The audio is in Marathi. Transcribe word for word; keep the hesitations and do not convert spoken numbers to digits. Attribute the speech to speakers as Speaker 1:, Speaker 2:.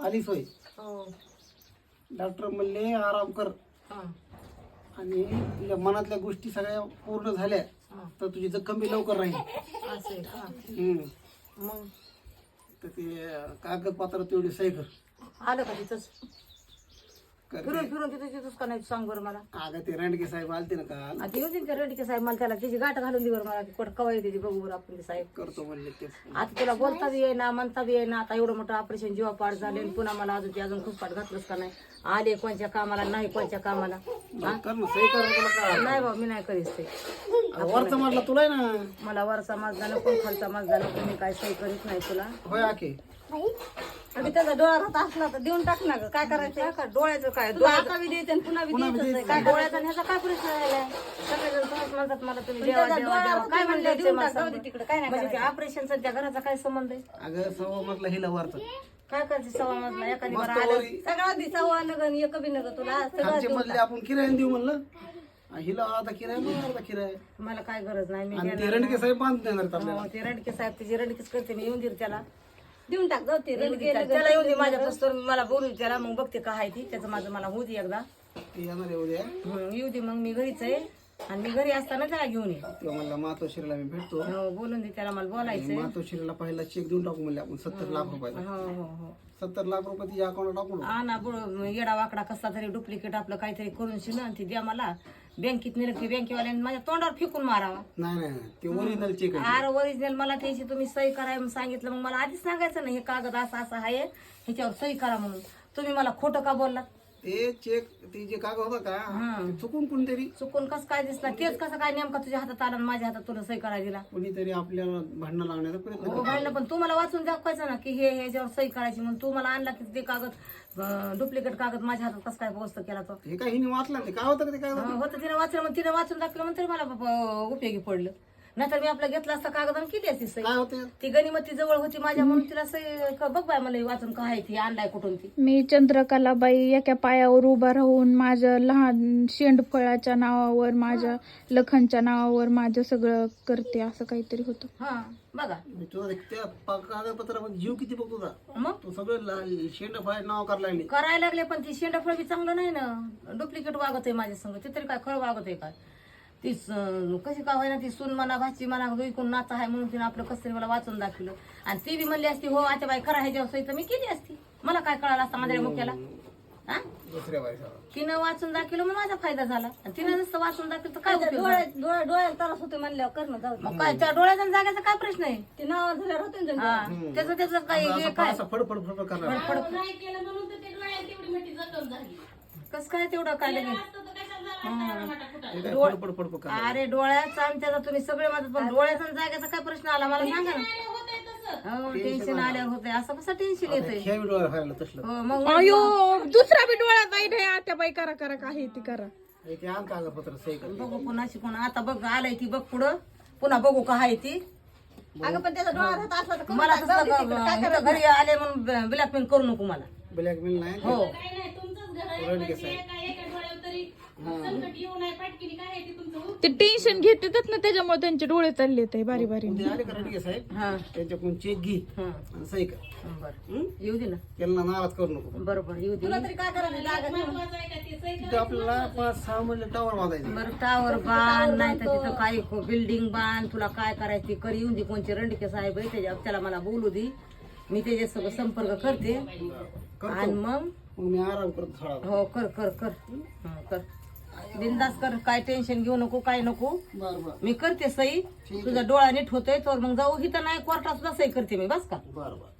Speaker 1: आलीच होय.
Speaker 2: हो.
Speaker 1: डॉक्टर म्हणले आराम कर
Speaker 2: हा.
Speaker 1: आणि तुझ्या मनातल्या गोष्टी सगळ्या पूर्ण झाल्या तर तुझी जखम बी लवकर राहील.
Speaker 2: असं आहे का?
Speaker 1: हम्म.
Speaker 2: मग
Speaker 1: तर ते कागदपत्र तेवढी सही कर.
Speaker 2: आलं का तिथंच?
Speaker 1: कर
Speaker 2: फिरून
Speaker 1: ते.
Speaker 2: फिरून तिथं तिथंच का नाही सांग बरं मला.
Speaker 1: अगं ते रणके साहेब आलते ना काल.
Speaker 2: आता येऊ दे ना त्या रेडके साहेब, मला त्याला त्याची गाठ घालून दे बरं मला. कोण कवा येते ती बघू बरं आपण ते साहेब.
Speaker 1: करतो म्हणले तेच.
Speaker 2: आता तुला बोलता बी येईना म्हणता बी येईना. आता एवढं मोठं ऑपरेशन जीवापाड झाले आणि पुन्हा मला अजून ते अजून खुसपाट घातलंच का नाही. आले कोणत्या कामाला नाही कोणत्या कामाला.
Speaker 1: मग कर ना सही कर तुला काय.
Speaker 2: नाही बाबा मी नाही करीत ते.
Speaker 1: वरचा मारला तुला आहे ना.
Speaker 2: मला वरचा माझा नको खालचा माझा नको. मी काय सही करीत नाही तुला.
Speaker 1: होय आखे.
Speaker 2: आणि त्याचा डोळा राहत असला तर देऊन टाक ना ग. काय करायचं का डोळ्याचं काय डोळ्याचा बी द्यायचं आणि पुन्हा बी द्यायचं काय डोळ्याचा आणि ह्याचा काय प्रश्न राहिलाय. सगळेजण सहज म्हणतात मला तुम्ही देवा देवा देवा काय म्हणले तिकडे काय नाही म्हणजे ऑपरेशनचा त्या घराचा काय संबंध आहे.
Speaker 1: अगं सव्वा मधला हिला वरचा.
Speaker 2: काय करते सव्वा मजला एखादी बरं
Speaker 1: मस्त
Speaker 2: आलं
Speaker 1: वरी.
Speaker 2: सगळं दि सव्वा नगन एक बी नग तुला सगळं
Speaker 1: आमचे
Speaker 2: देऊन
Speaker 1: मधले आपण किरायाने देऊ म्हणलं. हिला अर्धा किराया मग अर्धा किराया.
Speaker 2: टाक. मला काय गरज नाही मी
Speaker 1: आणि ते
Speaker 2: देणार
Speaker 1: रणके साहेब बांधून देणार आहेत
Speaker 2: नाही.
Speaker 1: आपल्याला.
Speaker 2: हो, ते रणके साहेब त्याची रणकीच करते मी. येऊन देईल त्याला देऊन टाक जाऊ ते रणके त्याला येऊन दे माझ्या पस्तोर मला बोलू त्याला मग बघते काय आहे ती त्याचं माझं मला होऊ दे एकदा.
Speaker 1: ते येणार आहे उद्या.
Speaker 2: हं, येऊ दे मग मी घरीच आहे आणि मी घरी असताना त्याला घेऊन ये.
Speaker 1: तेव्हा म्हणला मातोश्रीला मी भेटतो.
Speaker 2: हो बोलून दे त्याला मला बोलायचंय.
Speaker 1: मातोश्रीला पहिला चेक देऊन टाकू म्हणले आपण सत्तर लाख रुपयाचा.
Speaker 2: हो हो हो
Speaker 1: सत्तर लाख रुपये तिच्या अकाउंटला टाकू.
Speaker 2: हा ना बुड येडा वाकडा कसला तरी डुप्लिकेट आपलं काहीतरी करून शिन आणि ती द्या मला. बँकेत नेलं की बँकेवाल्याने माझ्या तोंडावर फेकून मारावा.
Speaker 1: नाही नाही नाही. ते ओरिजिनल चेक आहे.
Speaker 2: आर ओरिजिनल मला त्याची तुम्ही सही करा म्हणून सांगितलं. मग मला आधीच सांगायचं ना हे कागद असं असं आहे ह्याच्यावर सही करा म्हणून. तुम्ही मला खोटं का बोललात.
Speaker 1: ते चेक ते जे कागद होता का
Speaker 2: हं.
Speaker 1: ते चुकून कोणतरी
Speaker 2: चुकून कसं काय दिसला तेच कसं काय नेमका तुझ्या हातात आला आणि माझ्या हातात तुला सही करायला दिला.
Speaker 1: कोणीतरी आपल्याला भांडणं लावण्याचा प्रयत्न
Speaker 2: हो भांडलं पण तू मला वाचून दाखवायचं ना की हे ह्याच्यावर सही करायची म्हणून. तू मला आणला की ते कागद डुप्लिकेट कागद माझ्या हातात कसं काय पोहोचतं केला तो.
Speaker 1: हे काय हिने वाचलं नाही. काय होतं का ते कागद.
Speaker 2: हं, होतं तिने वाचलं मग तिने वाचून दाखवलं म्हणून मला ब- उपयोगी पडलं. नाहीतर मी आपलं घेतला असता कागद आणि किती असती सही.
Speaker 1: काय होते.
Speaker 2: ती गणिमती जवळ होती माझ्या म्हणून तिला सही क- बघ बाय मला हे वाचून काय आहे ती आणलाय कुठून ती.
Speaker 3: मी चंद्रकलाबाई एका पायावर उभा राहून माझ्या लहान शेंडफळाच्या नावावर माझ्या लखनच्या नावावर माझं सगळं करते असं काहीतरी होतं.
Speaker 2: हा बघा
Speaker 1: मी तुझा त्या पा- कागदपत्रामध्ये जीव किती बघ तुझा.
Speaker 2: मग
Speaker 1: तू सगळं शेंड फाय नाव करायला लागली.
Speaker 2: करायला लागले पण ती शेंडाफळ बी चांगलं नाही ना. डुप्लिकेट वागत आहे माझ्या संग. ते तरी काय खरं वागत आहे काय. ती स- कशी का होईना ती सून म्हणा भाची म्हणा विकून नाचा आहे म्हणून तिने आपलं कसं तरी मला वाचून दाखवलं. आणि ती बी म्हणली असती हो आता बाई करा ह्याच्यावर सही तर मी केली असती. मला काय कळालं असतं माझ्या मुख्याला. हा
Speaker 1: दुसऱ्या बाईचा.
Speaker 2: तिनं वाचून दाखवलं मग माझा फायदा झाला. आणि तिनं जसं वाचून दाखवलं तर काय डोळ्या डोळ्याला त्रास होते म्हणल्यावर करणं जाऊ. मग काय त्या डोळ्याचा जागाचा काय प्रश्न आहे. ते नाव झाल्यावर होते ना त्याचं त्याचं काय हे काय
Speaker 1: असं फडफड फडफड करणार.
Speaker 2: कसं काय तेवढं काय लगेच.
Speaker 1: हे काय फडफड फडफड करणार.
Speaker 2: अरे डोळ्याचा आणि त्याचा तुम्ही सगळे माझं पण डोळ्याचा आणि जागेचा काय प्रश्न आला मला सांगा ना. हो टेन्शन आल्यावर होतंय. असं कसं टेन्शन येतंय.
Speaker 1: ह्या व्हिडिओला खायला तसलं.
Speaker 2: हो मग
Speaker 3: अयो दुसरा बी डोळा नाही रे आता बाई करा करा काय ती करा.
Speaker 1: हे ते आण कागदपत्र सही कर.
Speaker 2: बघू पुन्हा शिकून आता बघ आलंय ती बघ पुढं पुन्हा बघू का आहे ती. अगं पण त्याचा डोळा राहत असला तर मला तसं घरी आले म्हणून ब्लॅकमेल करू नको मला.
Speaker 1: ब्लॅकमेल नाही.
Speaker 2: हो
Speaker 1: रणके साहेब.
Speaker 3: ते टेन्शन घेतात ना त्याच्यामुळे त्यांचे डोळे चालले ते बारी बारी.
Speaker 1: उद्या आले का रणके साहेब
Speaker 2: हा
Speaker 1: त्यांच्याकडून चेक घे
Speaker 2: हा
Speaker 1: आणि सही कर.
Speaker 2: बरं येऊ दे ना.
Speaker 1: त्यांना नाराज करू नको.
Speaker 2: बरोबर येऊ दे. तरी काय
Speaker 1: तिथं आपल्याला पाच सहा म्हणले टावर बांधायचे.
Speaker 2: बरं टावर बांध नाही तर तिथं काही बिल्डिंग बांध. तुला काय करायचं ते कर. येऊन दे कोणचे रणके साहेब आहे त्याच्या त्याला मला बोलू दे. मी त्याच्यासोबत संपर्क करते आणि मग
Speaker 1: मग मी आराम करतो थोडा.
Speaker 2: हो कर कर कर हं, कर बिंदास कर. काय टेन्शन घेऊ नको काय नको.
Speaker 1: बरं बरं
Speaker 2: मी करते सही. तुझा डोळा नीट होतोय तर मग जाऊ. इथं नाही कोर्टात सुद्धा सही करते मी बस का.
Speaker 1: बरं बरं.